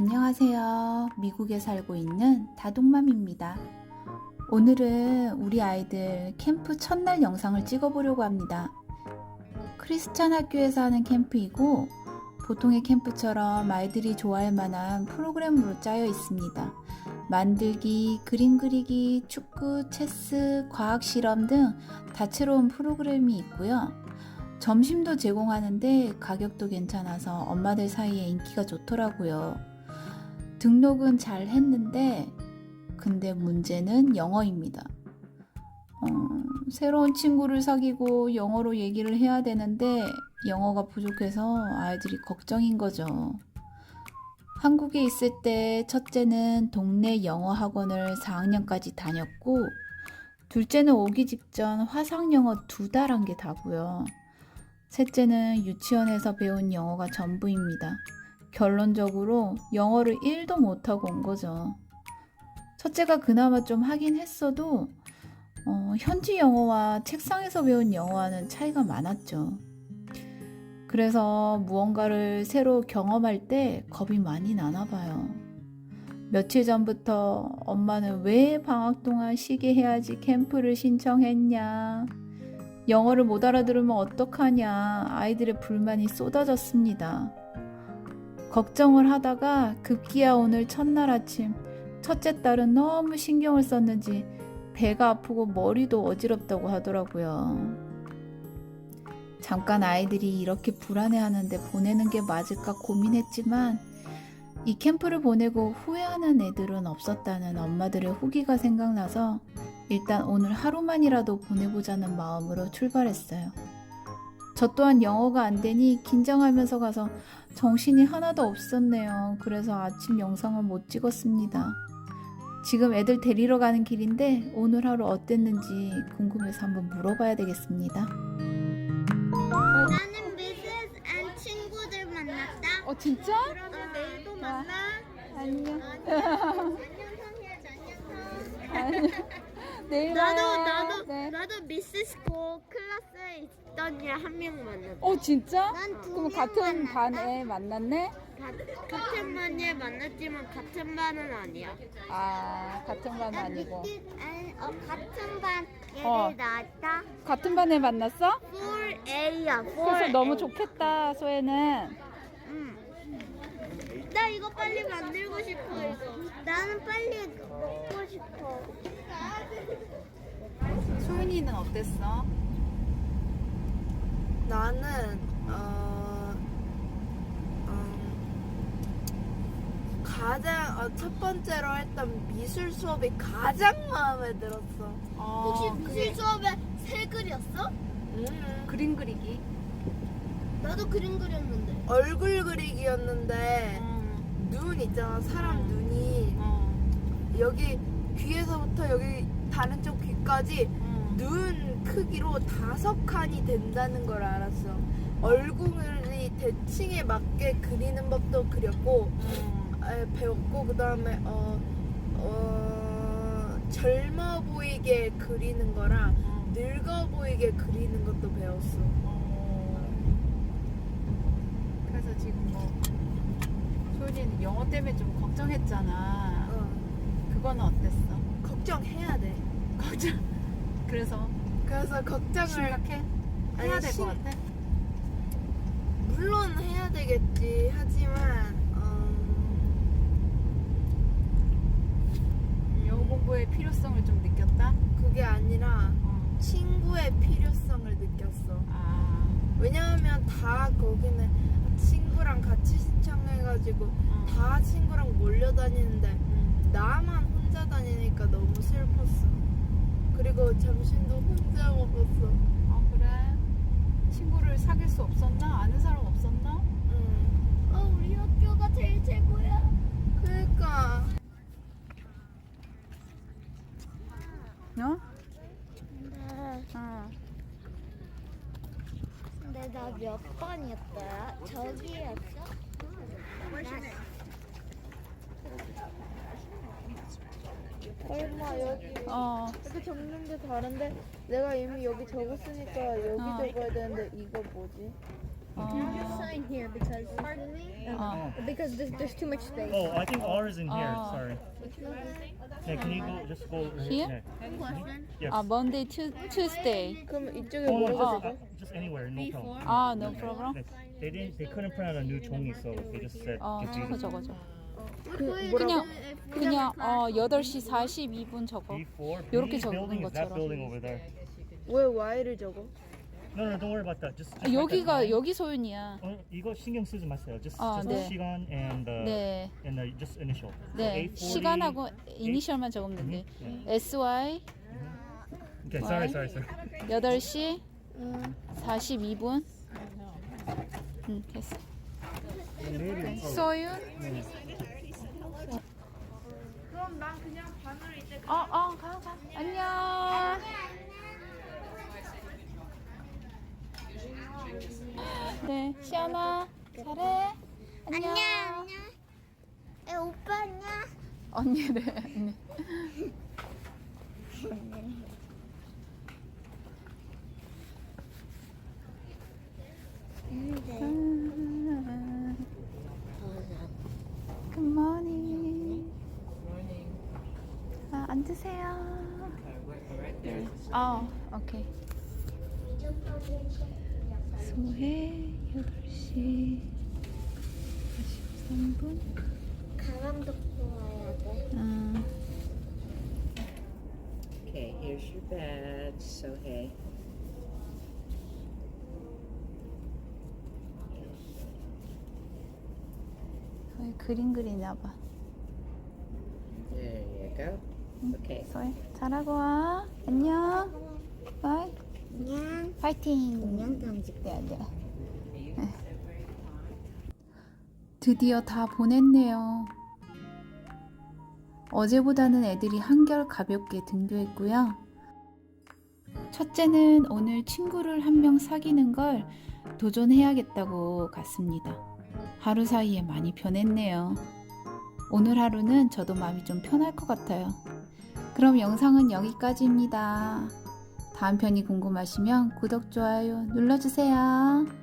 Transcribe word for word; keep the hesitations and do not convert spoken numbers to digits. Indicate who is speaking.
Speaker 1: 안녕하세요. 미국에 살고 있는 다둥맘입니다. 오늘은 우리 아이들 캠프 첫날 영상을 찍어보려고 합니다. 크리스찬 학교에서 하는 캠프이고 보통의 캠프처럼 아이들이 좋아할 만한 프로그램으로 짜여 있습니다. 만들기, 그림 그리기, 축구, 체스, 과학 실험 등 다채로운 프로그램이 있고요. 점심도 제공하는데 가격도 괜찮아서 엄마들 사이에 인기가 좋더라고요. 등록은 잘 했는데 근데 문제는 영어입니다. 어, 새로운 친구를 사귀고 영어로 얘기를 해야 되는데 영어가 부족해서 아이들이 걱정인 거죠. 한국에 있을 때 첫째는 동네 영어 학원을 사 학년까지 다녔고 둘째는 오기 직전 화상영어 두 달 한 게 다고요. 셋째는 유치원에서 배운 영어가 전부입니다. 결론적으로 영어를 일도 못하고 온 거죠. 첫째가 그나마 좀 하긴 했어도 어, 현지 영어와 책상에서 배운 영어와는 차이가 많았죠. 그래서 무언가를 새로 경험할 때 겁이 많이 나나 봐요. 며칠 전부터 엄마는 왜 방학 동안 쉬게 해야지 캠프를 신청했냐, 영어를 못 알아들으면 어떡하냐, 아이들의 불만이 쏟아졌습니다. 걱정을 하다가 급기야 오늘 첫날 아침 첫째 딸은 너무 신경을 썼는지 배가 아프고 머리도 어지럽다고 하더라고요. 잠깐 아이들이 이렇게 불안해하는데 보내는 게 맞을까 고민했지만 이 캠프를 보내고 후회하는 애들은 없었다는 엄마들의 후기가 생각나서 일단 오늘 하루만이라도 보내보자는 마음으로 출발했어요. 저 또한 영어가 안 되니 긴장하면서 가서 정신이 하나도 없었네요. 그래서 아침 영상을 못 찍었습니다. 지금 애들 데리러 가는 길인데 오늘 하루 어땠는지 궁금해서 한번 물어봐야 되겠습니다.
Speaker 2: 나는 미세스 앤 친구들 만났다.
Speaker 1: 어 진짜?
Speaker 2: 그러면 내일도 만나.
Speaker 1: 안녕.
Speaker 2: 안녕 성희야, 안녕.
Speaker 1: 내일
Speaker 2: 나도
Speaker 1: 봐요.
Speaker 2: 나도
Speaker 1: 네.
Speaker 2: 나도 미세스 고 클래스에 있던 애 한 명 만났다.
Speaker 1: 어 진짜?
Speaker 2: 난두
Speaker 1: 그럼
Speaker 2: 명
Speaker 1: 같은
Speaker 2: 만났다.
Speaker 1: 반에 만났네?
Speaker 2: 가- 같은 반에 만났지만 같은 반은 아니야.
Speaker 1: 아 같은 반 아니고
Speaker 2: 미세스 앤- 어, 같은 반 얘를
Speaker 1: 어.
Speaker 2: 낳았다.
Speaker 1: 같은 반에 만났어?
Speaker 2: 사 A야.
Speaker 1: 그래서 너무 좋겠다 소혜는.
Speaker 2: 응. 나 이거 빨리 만들고 싶어 이거. 나는 빨리 먹고 싶어.
Speaker 1: 소윤이는 어땠어?
Speaker 3: 나는 어, 음, 가장 어, 첫 번째로 했던 미술 수업이 가장 마음에 들었어.
Speaker 2: 혹시
Speaker 1: 어,
Speaker 2: 미술 수업에 새 그렸어?
Speaker 3: 음,
Speaker 1: 그림 그리기.
Speaker 2: 나도 그림 그렸는데.
Speaker 3: 얼굴 그리기였는데
Speaker 1: 음,
Speaker 3: 눈 있잖아, 사람
Speaker 1: 음.
Speaker 3: 눈이
Speaker 1: 어,
Speaker 3: 여기 귀에서부터 여기 다른 쪽 귀까지
Speaker 1: 음.
Speaker 3: 눈 크기로 다섯 칸이 된다는 걸 알았어. 얼굴이 대칭에 맞게 그리는 법도 그렸고
Speaker 1: 음.
Speaker 3: 에, 배웠고 그 다음에 어, 어, 젊어 보이게 그리는 거랑
Speaker 1: 음.
Speaker 3: 늙어 보이게 그리는 것도 배웠어.
Speaker 1: 어. 그래서 지금 뭐 소윤이는 영어 때문에 좀 걱정했잖아.
Speaker 3: 어,
Speaker 1: 그거는 어땠어?
Speaker 3: 걱정해야 돼.
Speaker 1: 걱정. 그래서
Speaker 3: 그래서 걱정을
Speaker 1: 심각해?
Speaker 3: 아니,
Speaker 1: 해야 될 것
Speaker 3: 심-
Speaker 1: 같아?
Speaker 3: 물론 해야 되겠지. 하지만 어,
Speaker 1: 영어 공부의 필요성을 좀 느꼈다?
Speaker 3: 그게 아니라
Speaker 1: 어.
Speaker 3: 친구의 필요성을 느꼈어.
Speaker 1: 아,
Speaker 3: 왜냐하면 다 거기는 친구랑 같이 신청해가지고
Speaker 1: 어.
Speaker 3: 다 친구랑 몰려다니는데
Speaker 1: 음.
Speaker 3: 나만 혼자 다니니까 너무 슬펐어. 그리고 점심도 혼자 먹었어.
Speaker 1: 어 그래? 친구를 사귈 수 없었나? 아는 사람 없었나?
Speaker 3: 응.
Speaker 2: 어, 우리 학교가 제일 최고야.
Speaker 3: 그러니까
Speaker 1: 어?
Speaker 2: 근데,
Speaker 1: 어.
Speaker 2: 근데 나 몇 번이었더라? 저기였어?
Speaker 3: 얼마 여기
Speaker 1: 어.
Speaker 3: 이렇게 적는데 다른데 내가 이미 여기 적었으니까 여기
Speaker 1: 어.
Speaker 3: 적어야 되는데 이거 뭐지?
Speaker 2: Just sign here because
Speaker 1: 어.
Speaker 2: because there's, there's too much space.
Speaker 4: Oh, I think ours in here.
Speaker 1: Oh.
Speaker 4: Sorry. Yeah, can you go just go right
Speaker 1: Here?
Speaker 4: Yeah. Yes.
Speaker 1: 아, Monday, Tu- Tuesday.
Speaker 3: 그럼 이쪽에
Speaker 4: Oh,
Speaker 3: 뭐가
Speaker 4: just, uh, just anywhere, no problem.
Speaker 1: 아, no problem.
Speaker 4: They, they didn't. They couldn't print out a new 종이, so they just said.
Speaker 1: 어,
Speaker 4: just
Speaker 1: 저거
Speaker 4: use it.
Speaker 1: 저거 저거.
Speaker 3: 그
Speaker 1: 그냥 그냥 어 여덟 시 사십이 분 저거.
Speaker 4: Before
Speaker 1: 요렇게
Speaker 4: B
Speaker 1: 적는
Speaker 4: building is that
Speaker 1: 것처럼.
Speaker 4: building over there.
Speaker 3: 왜 Y를 적어?
Speaker 4: No, no, don't worry about that. Just, just
Speaker 1: 아,
Speaker 4: write that
Speaker 1: 여기가
Speaker 4: down.
Speaker 1: 여기 소윤이야.
Speaker 4: 어, 이거 신경 쓰지 마세요. Just,
Speaker 1: 아,
Speaker 4: just
Speaker 1: 네.
Speaker 4: the 시간 and the
Speaker 1: 네.
Speaker 4: and the just initial. So
Speaker 1: 네.
Speaker 4: eight forty.
Speaker 1: 시간하고 이니셜만 적으면 돼.
Speaker 4: 네.
Speaker 1: 에스와이
Speaker 4: Okay, sorry, sorry, sorry.
Speaker 1: 여덟 시 사십이 분. 응, 됐어. 소윤.
Speaker 3: 그럼 난 그냥 반을 이제
Speaker 1: 어, 어, 가, 가. 안녕. 네, 시연아, 잘해. 안녕.
Speaker 2: 안녕 안녕. 에 오빠 안녕.
Speaker 1: 언니래, 언니. Good morning. 아, 앉으세요. 네. 아, 오케이. 소해 여덟 시 사십삼 분.
Speaker 2: 가방 듣고 와야 돼.
Speaker 1: 음,
Speaker 5: Okay, here's your badge, so hey.
Speaker 1: 소해 그림 그리나 봐.
Speaker 5: There you go. Okay.
Speaker 1: 소해 잘하고 와. 안녕. 바이.
Speaker 2: 안녕.
Speaker 1: 파이팅.
Speaker 2: 안녕 당직.
Speaker 1: 네, 네. 드디어 다 보냈네요. 어제보다는 애들이 한결 가볍게 등교했고요. 첫째는 오늘 친구를 한 명 사귀는 걸 도전해야겠다고 갔습니다. 하루 사이에 많이 변했네요. 오늘 하루는 저도 마음이 좀 편할 것 같아요. 그럼 영상은 여기까지입니다. 다음 편이 궁금하시면 구독, 좋아요 눌러주세요.